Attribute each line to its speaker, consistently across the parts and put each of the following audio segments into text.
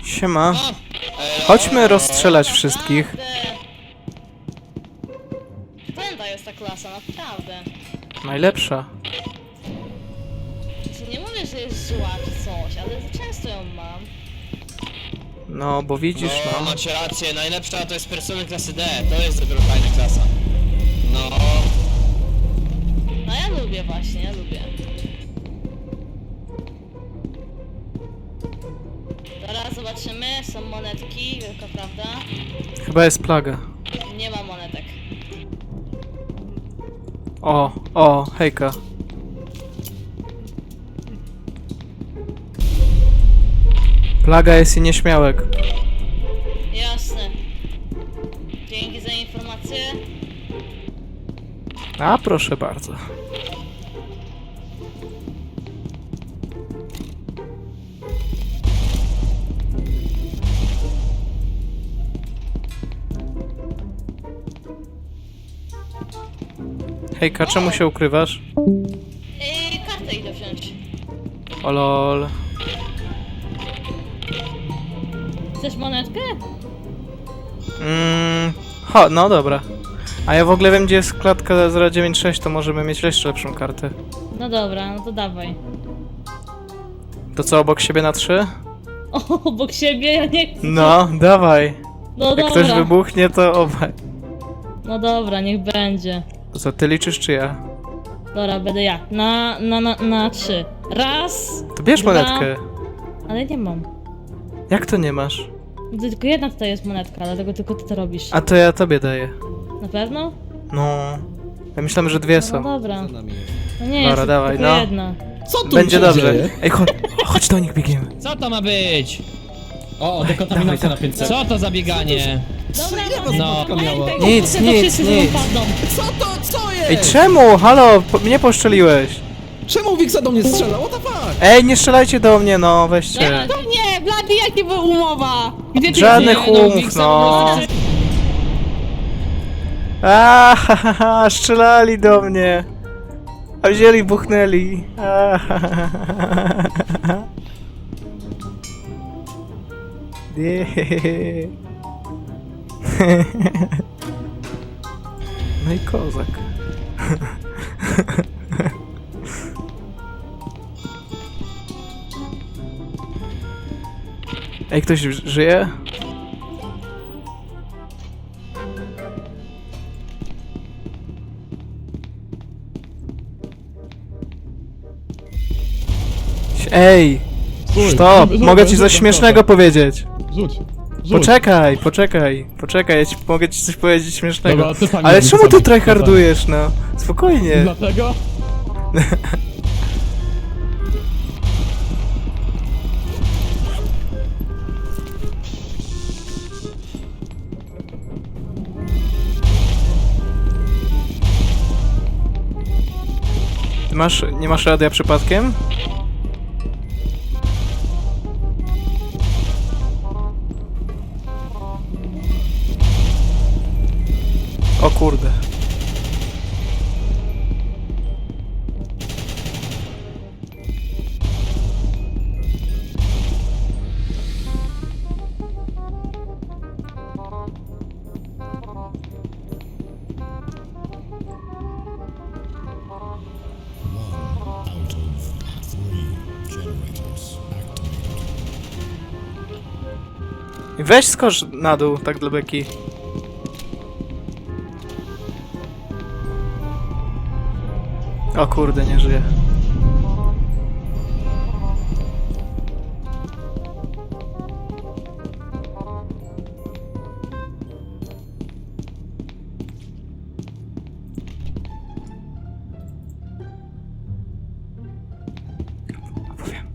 Speaker 1: Siema. Chodźmy rozstrzelać wszystkich.
Speaker 2: Fajna jest ta klasa, naprawdę.
Speaker 1: Najlepsza.
Speaker 2: Nie mówię, że jest zła czy coś, ale za często ją mam.
Speaker 1: No, bo widzisz,
Speaker 3: No,
Speaker 1: no.
Speaker 3: macie rację, najlepsza to jest persony klasy D, to jest dopiero fajna klasa. No,
Speaker 2: No ja lubię właśnie, ja lubię. Teraz zobaczymy, są monetki, wielka prawda?
Speaker 1: Chyba jest plaga.
Speaker 2: Nie ma monetek.
Speaker 1: O, hejka. Plaga jest i nieśmiałek.
Speaker 2: Jasne. Dzięki za informację.
Speaker 1: A, proszę bardzo. Hejka, czemu się ukrywasz?
Speaker 2: Kartę idę wziąć.
Speaker 1: O lol.
Speaker 2: Chcesz monetkę?
Speaker 1: No dobra. A ja w ogóle wiem, gdzie jest klatka 096, to możemy mieć jeszcze lepszą kartę.
Speaker 2: No dobra, no to dawaj.
Speaker 1: To co, obok siebie na 3?
Speaker 2: O, obok siebie ja nie chcę.
Speaker 1: No, dawaj.
Speaker 2: No
Speaker 1: Jak
Speaker 2: dobra.
Speaker 1: ktoś wybuchnie, to obaj.
Speaker 2: No dobra, niech będzie.
Speaker 1: To co, ty liczysz czy ja?
Speaker 2: Dobra, będę ja. Na 3. Raz.
Speaker 1: To bierz
Speaker 2: Dwa.
Speaker 1: monetkę.
Speaker 2: Ale nie mam.
Speaker 1: Jak to nie masz?
Speaker 2: No to tylko jedna tutaj jest monetka, dlatego tylko ty to robisz.
Speaker 1: A to ja tobie daję.
Speaker 2: Na pewno?
Speaker 1: No. Ja myślałem, że dwie
Speaker 2: No
Speaker 1: są.
Speaker 2: dobra.
Speaker 4: Za nami jest.
Speaker 2: No nie
Speaker 1: Dobra,
Speaker 2: jest,
Speaker 1: dawaj,
Speaker 2: tylko
Speaker 1: no.
Speaker 2: jedna.
Speaker 4: Co tu
Speaker 1: Będzie
Speaker 4: się
Speaker 1: dobrze.
Speaker 4: dzieje?
Speaker 1: Ej, chodź do nich, biegniemy.
Speaker 3: co to ma być?
Speaker 4: O, dekontaminacja na 500.
Speaker 3: Co to za bieganie?
Speaker 2: Dobra,
Speaker 3: No.
Speaker 1: Nic, nic.
Speaker 4: Co jest?
Speaker 1: Ej, czemu? Halo, mnie poszczeliłeś.
Speaker 4: Czemu Wiksa do mnie strzela? What the fuck?
Speaker 1: Ej, nie strzelajcie do mnie, no, weźcie.
Speaker 2: Nie, Blady, jakie była umowa? Gdzie ty
Speaker 1: Żadnych
Speaker 3: Nie, no,
Speaker 1: umów,
Speaker 3: Wiksa
Speaker 1: no.
Speaker 3: po prostu-
Speaker 1: Strzelali do mnie. A wzięli, buchnęli. A, ha, ha, ha. Nie. No i kozak. Ej, ktoś żyje? Ej! Stop! Mogę ci coś śmiesznego powiedzieć.
Speaker 5: Rzuć.
Speaker 1: Poczekaj, mogę ci coś powiedzieć śmiesznego.
Speaker 5: Dobra, ty sami
Speaker 1: Ale
Speaker 5: rób
Speaker 1: czemu
Speaker 5: sobie.
Speaker 1: ty tryhardujesz, no? Spokojnie.
Speaker 5: Dlatego?
Speaker 1: Ty nie masz radia przypadkiem? O kurde. Weź skocz na dół, tak dla beki. O kurde, nie żyje. Opowiem.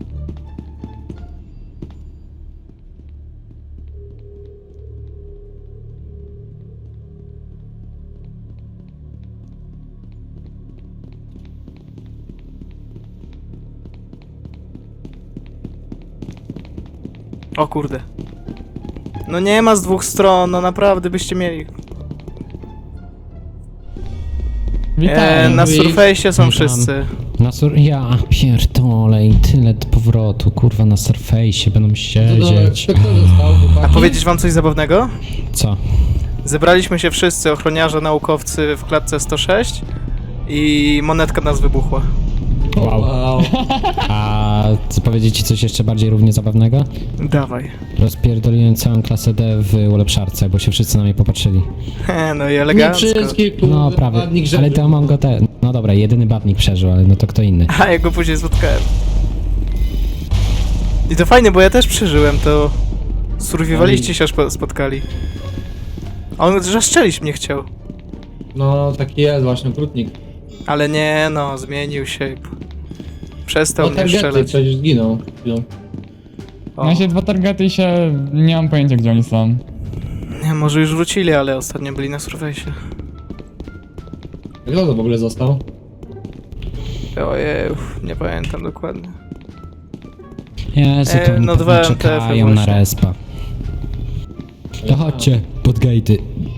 Speaker 1: O kurde. No nie ma z dwóch stron, no naprawdę byście mieli.
Speaker 6: Witam,
Speaker 1: Na
Speaker 6: wi-
Speaker 1: Surface'ie są
Speaker 6: witam.
Speaker 1: wszyscy.
Speaker 6: Ja pierdolę i tyle
Speaker 5: powrotu, kurwa, na Surface'ie będą
Speaker 4: To
Speaker 5: siedzieć.
Speaker 4: kto został,
Speaker 1: A
Speaker 4: chłopaki?
Speaker 1: powiedzieć wam coś zabawnego?
Speaker 5: Co?
Speaker 1: Zebraliśmy się wszyscy, ochroniarze, naukowcy w klatce 106 i monetka nas wybuchła.
Speaker 5: Wow.
Speaker 4: Wow.
Speaker 5: A co powiedzieć ci coś jeszcze bardziej równie zabawnego?
Speaker 1: Dawaj.
Speaker 5: Rozpierdoliłem całą klasę D w ulepszarce, bo się wszyscy na mnie popatrzyli.
Speaker 1: No i
Speaker 4: Nie
Speaker 1: elegancko.
Speaker 4: wszystkich, kurde,
Speaker 5: No prawie,
Speaker 4: ładnik
Speaker 5: ale
Speaker 4: rzeczy.
Speaker 5: to mam go te... No dobra, jedyny badnik przeżył, ale no to kto inny.
Speaker 1: A ja go później spotkałem. I to fajnie, bo ja też przeżyłem, to... Survivaliści się aż spotkali. A on zaszczelić mnie chciał.
Speaker 4: No, taki jest właśnie, okrutnik.
Speaker 1: Ale nie, no, zmienił się. Przestał
Speaker 4: No,
Speaker 1: mnie
Speaker 4: targety
Speaker 1: strzelać.
Speaker 4: przecież zginął.
Speaker 1: O.
Speaker 6: Ja się dwa targety i się... nie mam pojęcia gdzie oni są.
Speaker 1: Nie, może już wrócili, ale ostatnio byli na Surface'ie.
Speaker 4: Kto to w ogóle został?
Speaker 1: Ojej, nie pamiętam dokładnie.
Speaker 5: Jezu, to oni
Speaker 1: no
Speaker 5: pewnie
Speaker 1: dwa
Speaker 5: czekają
Speaker 1: MTF-y
Speaker 5: na
Speaker 1: właśnie.
Speaker 5: respa. To chodźcie, pod gatey.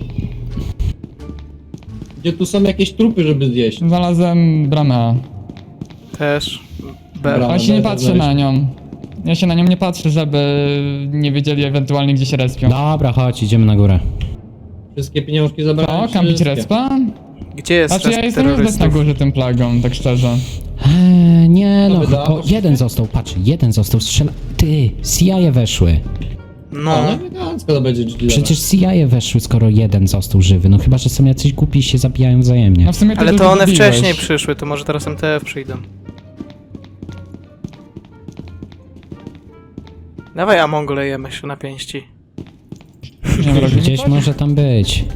Speaker 4: Gdzie tu są jakieś trupy, żeby zjeść?
Speaker 6: Znalazłem bramę A.
Speaker 1: Też.
Speaker 4: Dobra.
Speaker 6: Ale się nie
Speaker 4: będę
Speaker 6: patrzę
Speaker 4: znaleźć.
Speaker 6: na nią. Ja się na nią nie patrzę, żeby nie wiedzieli ewentualnie gdzie się respią.
Speaker 5: Dobra, chodź, idziemy na górę.
Speaker 4: Wszystkie pieniążki zabrałem.
Speaker 6: O, kampić
Speaker 4: wszystkie.
Speaker 6: respa?
Speaker 1: Gdzie jest
Speaker 6: Znaczy ja
Speaker 1: rest
Speaker 6: jestem już bez na
Speaker 1: terrorystów?
Speaker 6: górze tym plagą, tak szczerze.
Speaker 5: Nie no,
Speaker 4: wydało
Speaker 5: o,
Speaker 4: się.
Speaker 5: jeden został, patrz, jeden został, strzela... Ty, CIA weszły.
Speaker 4: O,
Speaker 1: No,
Speaker 4: no elegancko to będzie GG.
Speaker 5: Przecież CIA weszły, skoro jeden został żywy. No chyba, że są jacyś głupi i się zabijają wzajemnie.
Speaker 6: No w sumie
Speaker 1: ale
Speaker 6: dużo
Speaker 1: to one
Speaker 6: zabiłeś.
Speaker 1: wcześniej przyszły, to może teraz MTF przyjdą. Dawaj Among lejemy się na pięści.
Speaker 6: Nie wiem, robimy
Speaker 5: Gdzieś
Speaker 6: coś?
Speaker 5: może tam być.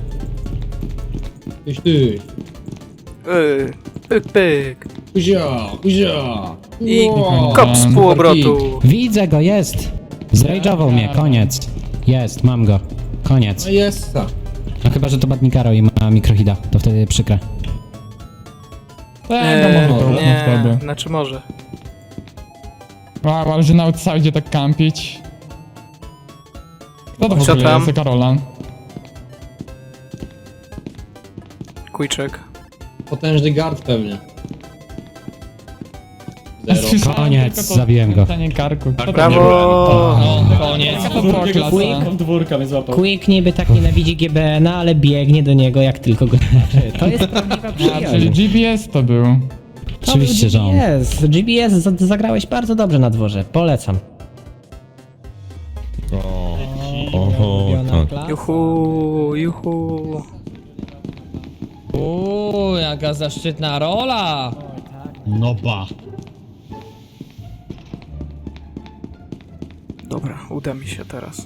Speaker 4: Ty.
Speaker 1: Pyk, pyk.
Speaker 4: Kuzia.
Speaker 1: I
Speaker 4: Wow.
Speaker 1: kop z półobrotu.
Speaker 5: Widzę go, jest! Zrajdżował mnie, koniec. Jest, mam go. Koniec.
Speaker 4: No jest.
Speaker 5: No chyba, że to Badnikaro i ma mikrohida, to wtedy przykre.
Speaker 6: Tego może to
Speaker 1: nie,
Speaker 6: wtedy.
Speaker 1: znaczy może.
Speaker 6: Wow, ale że na outside tak kampić. Kto to w
Speaker 1: Co
Speaker 6: ogóle
Speaker 1: tam?
Speaker 6: jest? Karola.
Speaker 1: Kujczek.
Speaker 4: Potężny guard pewnie.
Speaker 6: Ja
Speaker 4: Zero.
Speaker 6: słyszałem
Speaker 5: Koniec,
Speaker 6: tylko to
Speaker 5: zabiłem go.
Speaker 6: pytanie karku. Kto to
Speaker 1: Brawo!
Speaker 2: No, koniec.
Speaker 6: Jaka to była klasa?
Speaker 4: Dwórka mnie złapał.
Speaker 7: Quick niby tak nienawidzi GBN-a, ale biegnie do niego jak tylko go zobaczy. To jest prawdziwa
Speaker 6: A, czyli
Speaker 7: przyjaźń.
Speaker 6: GBS to był.
Speaker 7: To
Speaker 5: Oczywiście,
Speaker 7: był
Speaker 5: że on.
Speaker 7: GBS. GBS zagrałeś bardzo dobrze na dworze. Polecam. Ulubiona klasa.
Speaker 1: Juhu, juhu.
Speaker 2: Jaka zaszczytna rola!
Speaker 1: Dobra, uda mi się teraz.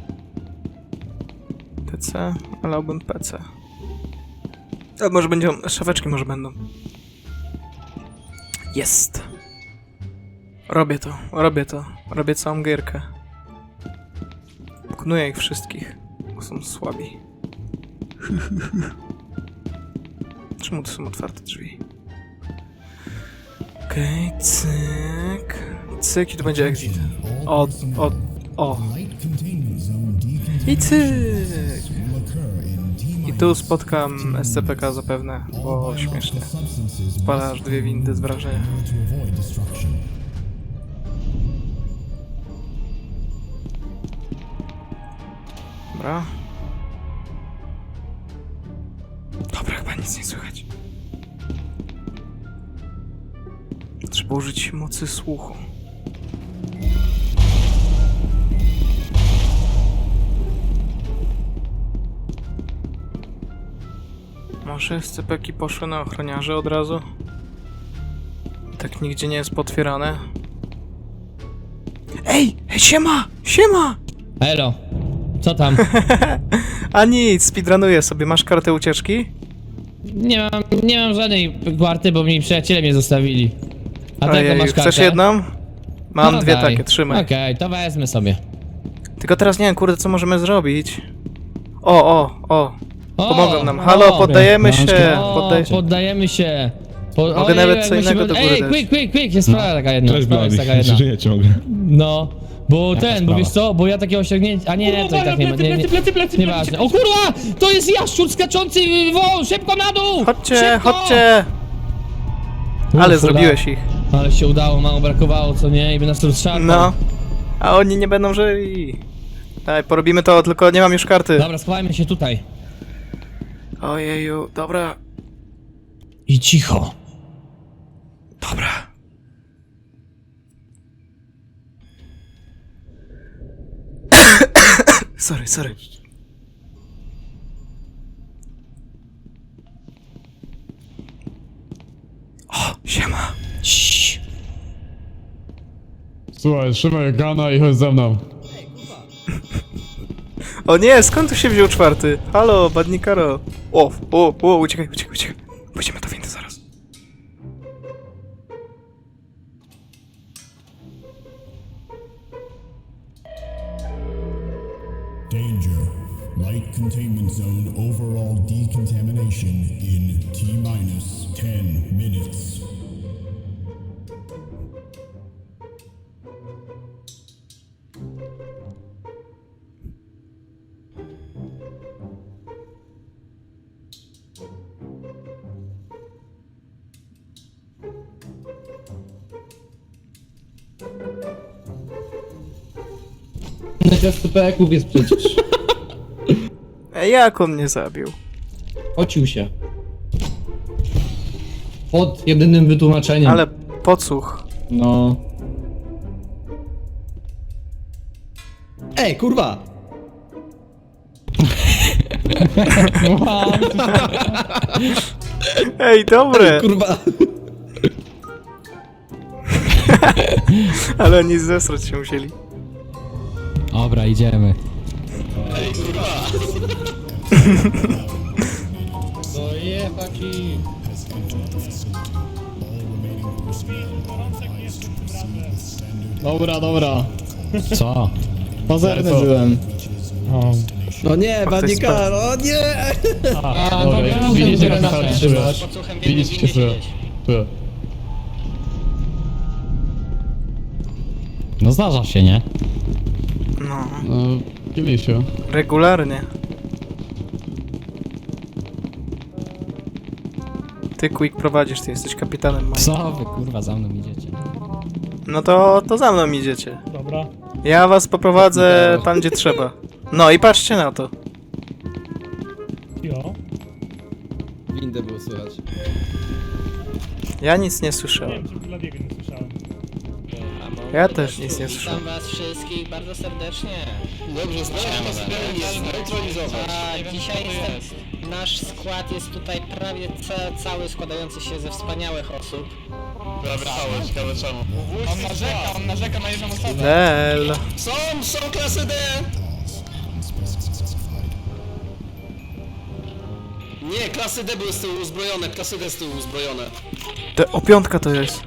Speaker 1: TC, wolałbym PC. A może będą, szafeczki może będą. Jest! Robię to, robię to. Robię całą gierkę. Pokonuję ich wszystkich, bo są słabi. Czemu to są otwarte drzwi? Okej, cyk. Cyk i to będzie exit. O. I cyk. I tu spotkam SCPK zapewne, bo śmiesznie. Spalasz dwie windy z wrażenia. Dobra. Dobra, chyba nic nie słychać. Trzeba użyć mocy słuchu. Może SCP-ki poszły na ochroniarze od razu? Tak nigdzie nie jest potwierane. Ej! Siema! Siema!
Speaker 2: Elo, co tam?
Speaker 1: A nic, speedrunuję sobie. Masz kartę ucieczki?
Speaker 2: Nie mam żadnej kwarty, bo mi przyjaciele mnie zostawili. A tego
Speaker 1: Ojej,
Speaker 2: masz kartę?
Speaker 1: chcesz jedną? Mam
Speaker 2: No
Speaker 1: dwie
Speaker 2: daj.
Speaker 1: takie, trzymaj.
Speaker 2: Okej, to wezmę sobie.
Speaker 1: Tylko teraz nie wiem, kurde, co możemy zrobić. O.
Speaker 2: O,
Speaker 1: Pomogą nam. Halo, poddajemy się.
Speaker 2: Poddajemy się.
Speaker 1: Mogę nawet co innego do góry
Speaker 2: Ej,
Speaker 1: dać.
Speaker 2: quick, jest sprawa taka jedna. Sprawa jest taka jedna.
Speaker 8: Żyjecie w ogóle.
Speaker 2: No, bo bo
Speaker 5: sprawa?
Speaker 2: wiesz co, bo ja takiego osiągnięcia, a nie, to i tak nie ma, nieważne. O kurwa, to jest jaszczur skaczący wąż, szybko na dół!
Speaker 1: Chodźcie,
Speaker 2: Szybko!
Speaker 1: chodźcie! Ale zrobiłeś ich.
Speaker 2: Ale się udało, mało brakowało, co nie? I by nas rozszarpał.
Speaker 1: No. A oni nie będą żyli. Daj, porobimy to, tylko nie mam już karty.
Speaker 2: Dobra, schowajmy się tutaj.
Speaker 1: Ojeju, dobra.
Speaker 2: I cicho.
Speaker 1: Dobra. Sorry. O, siema.
Speaker 2: Ciii.
Speaker 6: Słuchaj, trzymaj gana i chodź ze mną.
Speaker 1: O nie, skąd tu się wziął czwarty? Halo, badnikaro. O, uciekaj. Pójdziemy do windy zaraz.
Speaker 8: Danger. Light containment zone overall decontamination in T-minus 10 minutes.
Speaker 4: Na SCP-ków jest przecież.
Speaker 1: Jak on mnie zabił?
Speaker 4: Pocił się. Pod jedynym wytłumaczeniem.
Speaker 1: Ale podsłuch.
Speaker 4: No. Ej, kurwa!
Speaker 1: Ej, dobre!
Speaker 4: Kurwa!
Speaker 1: Ale oni zesrać się musieli.
Speaker 5: Dobra, idziemy.
Speaker 4: No jebaki!
Speaker 6: Dobra.
Speaker 5: Co?
Speaker 6: Pazerny byłem.
Speaker 4: No nie, Badnikar, o nie!
Speaker 6: Dobra, widzicie, jak to trzymasz.
Speaker 3: Podsłuchem
Speaker 6: Widzicie,
Speaker 3: windy
Speaker 6: co? Tu.
Speaker 5: No zdarza się, nie?
Speaker 1: No,
Speaker 6: No, Kilisiu.
Speaker 1: regularnie. Ty, Quick, prowadzisz, ty jesteś kapitanem moim.
Speaker 5: Co wy kurwa za mną idziecie?
Speaker 1: No to za mną idziecie.
Speaker 6: Dobra.
Speaker 1: Ja was poprowadzę tam, gdzie trzeba. No i patrzcie na to.
Speaker 6: Jo.
Speaker 4: Windę było słychać.
Speaker 1: Ja nic nie słyszałem.
Speaker 6: czy Bladiego nie słyszałem.
Speaker 1: Ja też nic nie słyszałem.
Speaker 3: Witam was wszystkich bardzo serdecznie. Dobrze, zneutralizować. A dzisiaj nasz skład jest tutaj prawie cały składający się ze wspaniałych osób.
Speaker 6: Ciekawe czemu. On narzeka na jedną osobę.
Speaker 1: Lel.
Speaker 3: Są klasy D! Nie, klasy D były z tyłu uzbrojone, klasy D z tyłu uzbrojone.
Speaker 1: O, piątka to jest.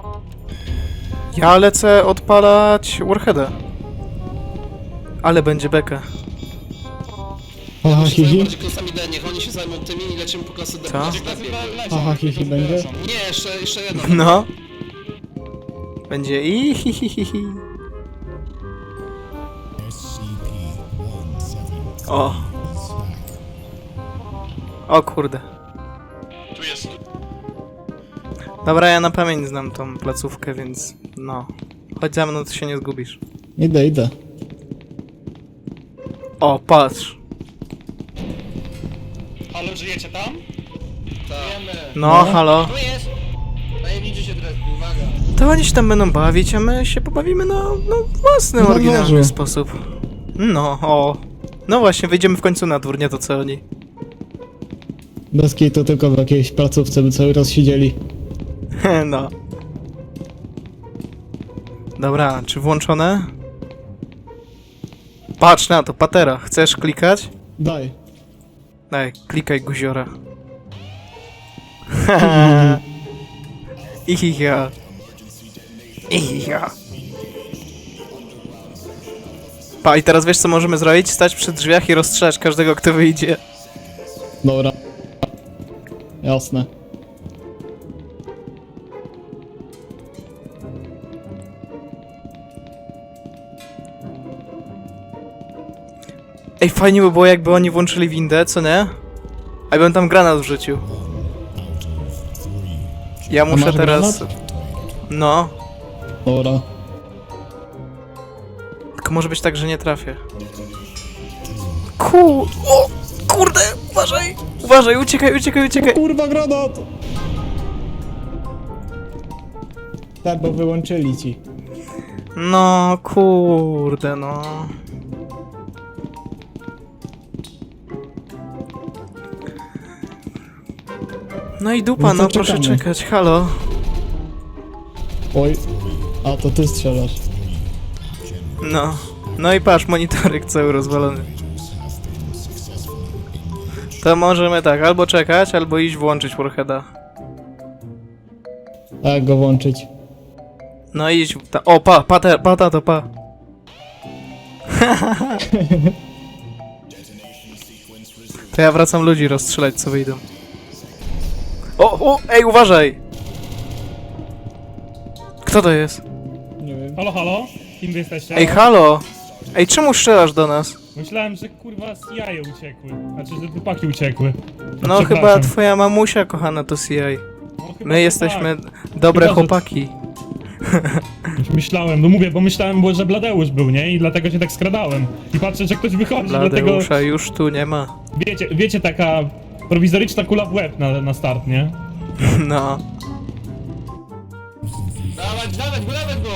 Speaker 1: Ja lecę odpalać Warheada. Ale będzie beka.
Speaker 6: Aha,
Speaker 3: Bardziej klasami D, niech oni się zajmą tymi i lecimy po klasy D.
Speaker 1: Co?
Speaker 3: Będzie lepiej.
Speaker 6: Aha, hihi będzie?
Speaker 3: Nie, jeszcze jedno.
Speaker 1: No. Będzie i hi hi hi hi. O. O kurde.
Speaker 3: Tu jest.
Speaker 1: Dobra, ja na pamięć znam tą placówkę, więc no. Chodź za mną, to się nie zgubisz.
Speaker 6: Idę.
Speaker 1: O, patrz.
Speaker 6: Ale żyjecie tam?
Speaker 1: No, halo.
Speaker 3: Tu jest!
Speaker 4: Najemniczy się teraz, uwaga.
Speaker 1: To oni się tam będą bawić, a my się pobawimy no własny, oryginalny sposób. No, o. No właśnie, wyjdziemy w końcu na dwór, nie to co oni.
Speaker 9: Bez to tylko w jakiejś placówce by cały czas siedzieli.
Speaker 1: No. Dobra, czy włączone? Patrz na to, patera. Chcesz klikać?
Speaker 9: Daj.
Speaker 1: Daj, klikaj guziora. Ihiha. Ihiha. Pa, i teraz wiesz co możemy zrobić? Stać przy drzwiach i rozstrzelać każdego, kto wyjdzie.
Speaker 9: Dobra. Jasne.
Speaker 1: Ej, fajnie by było jakby oni włączyli windę, co nie? A ja bym tam granat wrzucił. Ja muszę
Speaker 9: masz
Speaker 1: teraz... No,
Speaker 9: Ora.
Speaker 1: tylko może być tak, że nie trafię. O! Kurde! Uważaj! Uważaj! Uciekaj!
Speaker 9: Kurwa, granat! Tak, bo wyłączyli ci.
Speaker 1: No, kurde, no. No i dupa,
Speaker 9: No to
Speaker 1: no proszę
Speaker 9: czekamy.
Speaker 1: czekać, halo.
Speaker 9: Oj. A, to ty strzelasz.
Speaker 1: No. No i patrz, monitorek cały rozwalony. To możemy tak, albo czekać, albo iść włączyć Warheada.
Speaker 9: Tak, go włączyć.
Speaker 1: No idź, o pa. To ja wracam ludzi rozstrzelać, co wyjdą. Ej, uważaj! Kto to jest?
Speaker 9: Nie wiem.
Speaker 10: Halo, halo? Kim wy jesteście?
Speaker 1: Ej, halo! Ej, czemu strzelasz do nas?
Speaker 10: Myślałem, że kurwa z jaje uciekły. Znaczy, że dupaki uciekły.
Speaker 1: No chyba
Speaker 10: przepraszam.
Speaker 1: twoja mamusia kochana to CI.
Speaker 10: No, chyba
Speaker 1: My jesteśmy
Speaker 10: tak.
Speaker 1: dobre
Speaker 10: Chyba, że-
Speaker 1: chłopaki.
Speaker 10: Myślałem, no mówię, bo myślałem, że Bladeusz był, nie? I dlatego się tak skradałem. I patrzę, że ktoś wychodzi, dlatego...
Speaker 1: Bladeusza już tu nie ma.
Speaker 10: Wiecie, taka prowizoryczna kula w łeb na start, nie?
Speaker 1: No.
Speaker 4: Dawać go!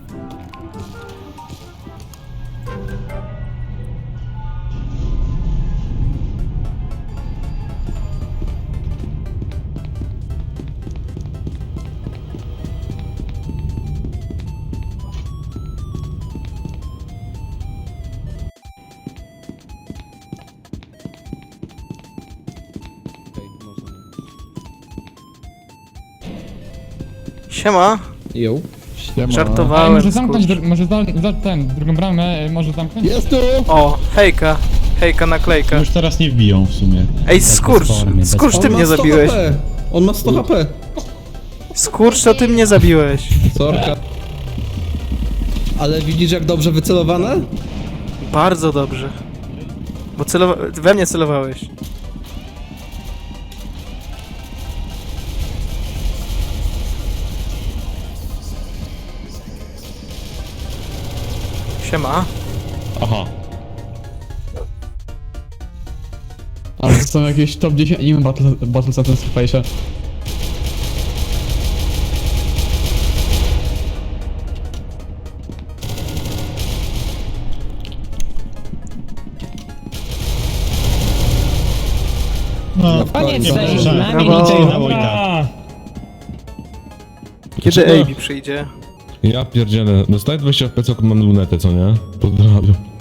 Speaker 1: Siema.
Speaker 4: Jo.
Speaker 6: Ej,
Speaker 1: Żartowałem.
Speaker 6: może zamknąć,
Speaker 1: skurcz.
Speaker 6: może drugą bramę, może zamknąć?
Speaker 4: Jest tu!
Speaker 1: O, hejka. Hejka naklejka.
Speaker 5: Już teraz nie wbiją w sumie.
Speaker 1: Ej, skurcz.
Speaker 5: formy, bez
Speaker 1: Skurcz, ty
Speaker 4: On ma
Speaker 1: mnie
Speaker 4: 100
Speaker 1: zabiłeś.
Speaker 4: HP. On ma 100 HP.
Speaker 1: Skurcz, to ty mnie zabiłeś.
Speaker 4: Sorka. Ale widzisz jak dobrze wycelowane?
Speaker 1: Bardzo dobrze. Bo we mnie celowałeś. Siema.
Speaker 6: Ale to są jakieś top 10 anime battles na tym space'ie.
Speaker 5: No,
Speaker 7: Koniec
Speaker 4: Dobrze.
Speaker 7: tej z nami
Speaker 1: Brawo.
Speaker 7: liczy.
Speaker 10: Dobra!
Speaker 1: Kiedy AB przyjdzie?
Speaker 11: Ja pierdzielę. Dostaję 20 pecok, mam lunetę, co nie? Pozdrawiam.